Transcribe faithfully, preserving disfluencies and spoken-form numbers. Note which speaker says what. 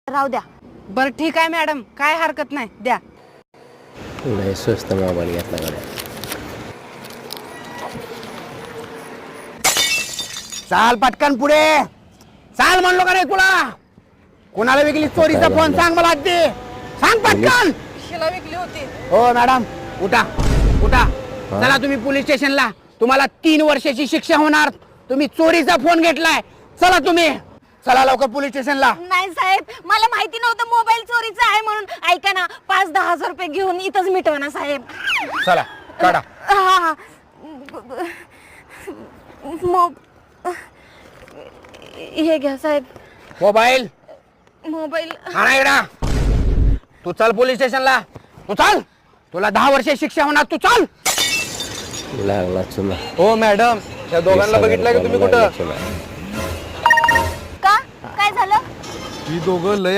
Speaker 1: राहू द्या.
Speaker 2: बरं ठीक आहे मॅडम, काय हरकत नाही, द्या.
Speaker 3: लय स्वस्त मोबाईल घेतला गाड्या.
Speaker 4: चाल पटकन पुढे चाल, म्हणलो का नाही तुला? कोणाला विकली चोरीचा फोन सांग मला आधी, सांग पटकन.
Speaker 2: शिला विकली होती.
Speaker 4: हो मॅडम, उठा उठा, चला तुम्ही पोलीस स्टेशनला. तुम्हाला तीन वर्षाची शिक्षा होणार. तुम्ही चोरीचा फोन घेतलाय. चला तुम्ही, चला लवकर पोलीस स्टेशनला.
Speaker 1: नाही साहेब, मला माहिती नव्हतं मोबाईल चोरीचा आहे म्हणून. ऐका ना, पाच दहा हजार रुपये घेऊन इथंच मिटवा ना साहेब.
Speaker 4: चला काढा.
Speaker 1: हा हा. मो- हे घ्या साहेब,
Speaker 4: मोबाईल
Speaker 1: मोबाईल.
Speaker 4: आणा इकडं. तू चल पोलीस स्टेशनला, तू चल. तुला दहा वर्ष शिक्षा होणार, तू चल.
Speaker 3: लागला चुना.
Speaker 5: हो मॅडम, त्या दोघांना बघितलंय का तुम्ही कुठं?
Speaker 1: का काय झालं?
Speaker 5: ही दोघं लय